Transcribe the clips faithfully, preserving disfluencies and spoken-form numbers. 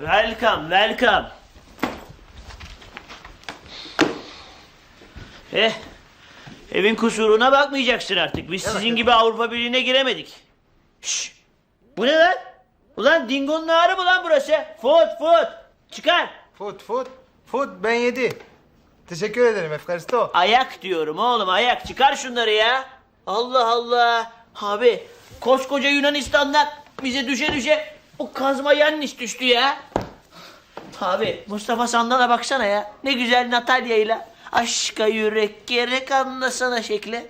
Welcome, welcome. Eh, evin kusuruna bakmayacaksın artık. Biz sizin gibi Avrupa Birliği'ne giremedik. Şşş, bu ne lan? Ulan Dingo'nun ağrı mı lan burası? Food, food. Çıkar. Food, food, food ben yedi. Teşekkür ederim Efkaristo. Ayak diyorum oğlum, ayak. Çıkar şunları ya. Allah Allah. Abi, koskoca Yunanistan'dan bize düşe düşe o kazma yanlış düştü ya. Abi, Mustafa Sandal'a baksana ya. Ne güzel Natalya'yla. Aşka yürek gerek anlasana şekli.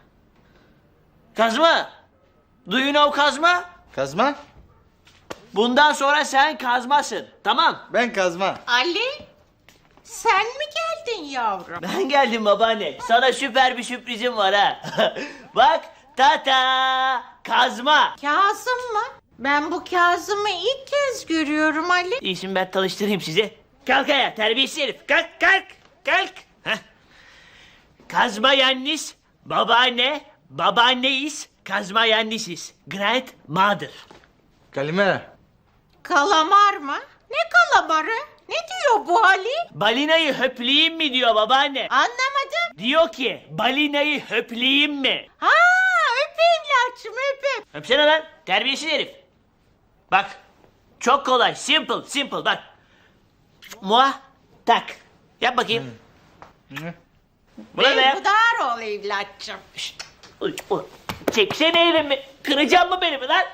Kazma. Do you know Kazma? Kazma? Bundan sonra sen kazmasın. Tamam. Ben kazma. Ali, sen mi geldin yavrum? Ben geldim babaanne. Sana süper bir sürprizim var ha. Bak, tata kazma. Kazım mı? Ben bu Kazım'ı ilk kez görüyorum Ali. İyisin, ben tanıştırayım sizi. Kalk ayağa terbiyesiz herif. Kalk kalk kalk. Heh. Kazma yannis, babaanne, babaanneyiz, kazma yannisiz. Grandmother. Kalimera. Kalamar mı? Ne kalamarı? Ne diyor bu Ali? Balinayı höpleyeyim mi diyor babaanne. Anlamadım. Diyor ki balinayı höpleyeyim mi? Ha, öp evlatçım öp. Öpsene lan terbiyesiz herif. Bak çok kolay, simple simple bak. Mua tak. Yap bakayım. Buna da yap. Berhudar ol evlatçım. Şşt, uy, uy. Çeksene elimi. Kıracağım mı beni lan?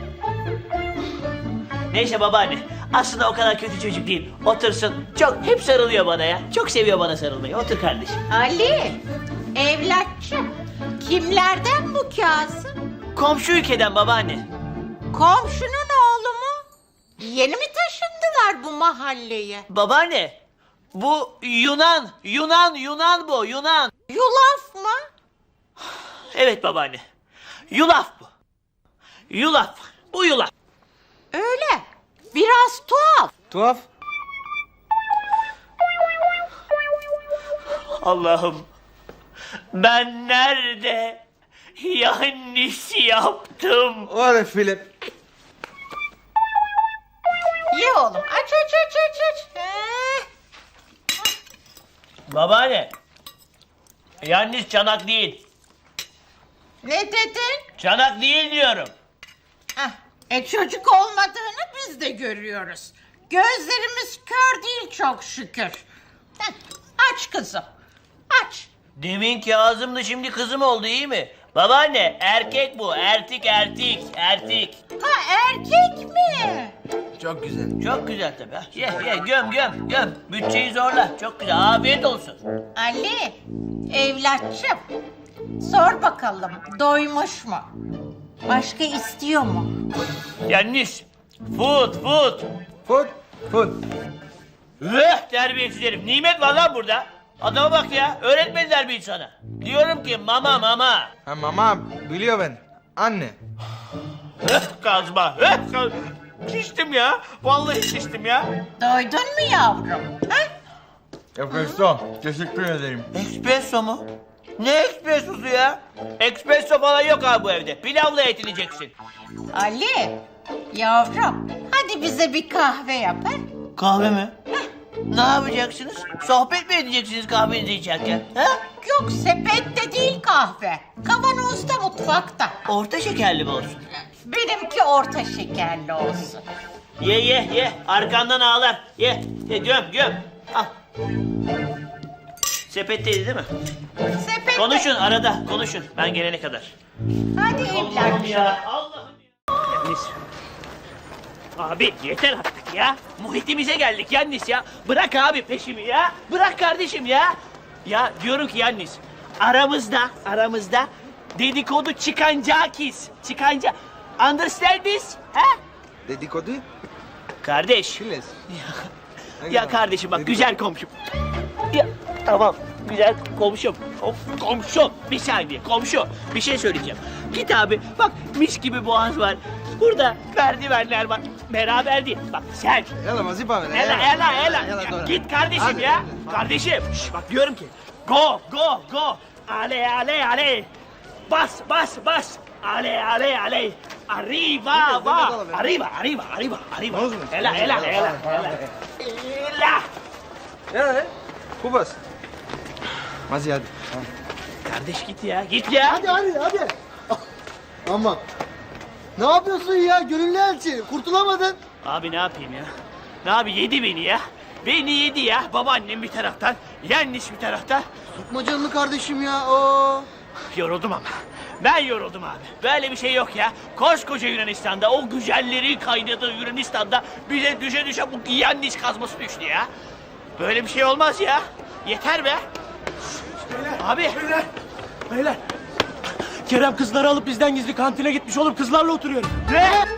Neyse babaanne. Aslında o kadar kötü çocuk değil. Otursun. Çok hep sarılıyor bana ya. Çok seviyor bana sarılmayı. Otur kardeşim. Ali, evlatçım. Kimlerden bu Kazım? Komşu ülkeden babaanne. Komşunun oğlu mu? Yeni mi taşındılar bu mahalleye? Babaanne. Bu Yunan. Yunan. Yunan bu. Yunan. Yulaf mı? Evet babaanne. Yulaf bu. Yulaf. Bu yulaf. Öyle. Biraz tuhaf. Tuhaf. Allah'ım. Ben nerede yanlış yaptım? Var Filip. Ye oğlum. Aç aç aç aç aç. Ee, Babaanne. Yanlış çanak değil. ne dedin? Çanak değil diyorum. Heh, e çocuk olmadığını biz de görüyoruz. Gözlerimiz kör değil çok şükür. Heh, aç kızım. Aç. Demin Kazım'dı, şimdi kızım oldu, iyi mi? Babaanne erkek bu. Ertik ertik ertik. Ha erkek mi? Çok güzel. Çok güzel tabii. ha. Ye ye göm göm göm. Bütçeyi zorla. Çok güzel. Afiyet olsun. Ali, evlatçım. Sor bakalım doymuş mu? Başka istiyor mu? Yanlış. Food food. Food, food. Üh, terbiyesiz herif. Nimet var lan burada. Adama bak ya. Öğretmediler mi sana? Diyorum ki mama mama. Ha mama biliyor ben. Anne. Üh, kazma. Üh, kaz... Şiştim ya. Vallahi şiştim ya. Doydun mu yavrum? Ha? Efkaristo. Teşekkür ederim. Espresso mu? Ne espressosu ya? Espresso falan yok abi bu evde. Pilavla yetineceksin. Ali, yavrum hadi bize bir kahve yap ha? Kahve mi? Ne yapacaksınız? Sohbet mi edeceksiniz kahvenizi içerken? Ha? Yok sepette değil kahve. Kavanozda mutfakta. Orta şekerli mi olsun? Benimki orta şekerli olsun. Ye ye ye. Arkandan ağlar. Ye. Ye göm göm. Al. Sepetteydi değil mi? Sepette. Konuşun arada. Konuşun. Ben gelene kadar. Hadi Allah'ım evlatçım. ya. Allah'ım ya. Yannis. Abi yeter artık ya. Muhitimize geldik Yannis ya. Bırak abi peşimi ya. Bırak kardeşim ya. Ya diyorum ki Yannis. Aramızda, aramızda dedikodu çıkancakis. Çıkanca. Understand this? Ha? Dedikodu. Kardeş. Chiles. Ya kardeşim bak güzel komşum. Ya tamam güzel komşum. Of, komşum bir saniye komşu bir şey söyleyeceğim. Git abi bak mis gibi boğaz var. Burada merdivenler var. Beraber değil. Bak sen. Yalla vazifa ver. Ela ela ela. Yalla, Ya doğru. git kardeşim Hadi. ya. Kardeşim. Şş, bak diyorum ki. Go go go. Ale ale ale. Bas bas bas. Ale, ale, ale. Arriba, va. Arriba, arriba, arriba, arriba. Ela, ela, ela, ela. Ela. Ja, Kubas. Mazi hadi. Kardeş git ya, git ya. Hadi hadi hadi. Aman. Ne yapıyorsun ya? Gönüllü elçi. Kurtulamadın. Abi ne yapayım ya? Ne abi yedi beni ya. Beni yedi ya. Babaannem bir taraftan, Yannis bir taraftan. Tutma canını kardeşim ya. Oo. Yoruldum ama. Ben yoruldum abi. Böyle bir şey yok ya. Koskoca Yunanistan'da, o güzellerin kaynadığı Yunanistan'da bize düşe düşe bu Yannis kazması düştü ya. Böyle bir şey olmaz ya. Yeter be. Abi. Beyler, beyler. Kerem kızları alıp bizden gizli kantine gitmiş oğlum. Kızlarla oturuyor. Ne?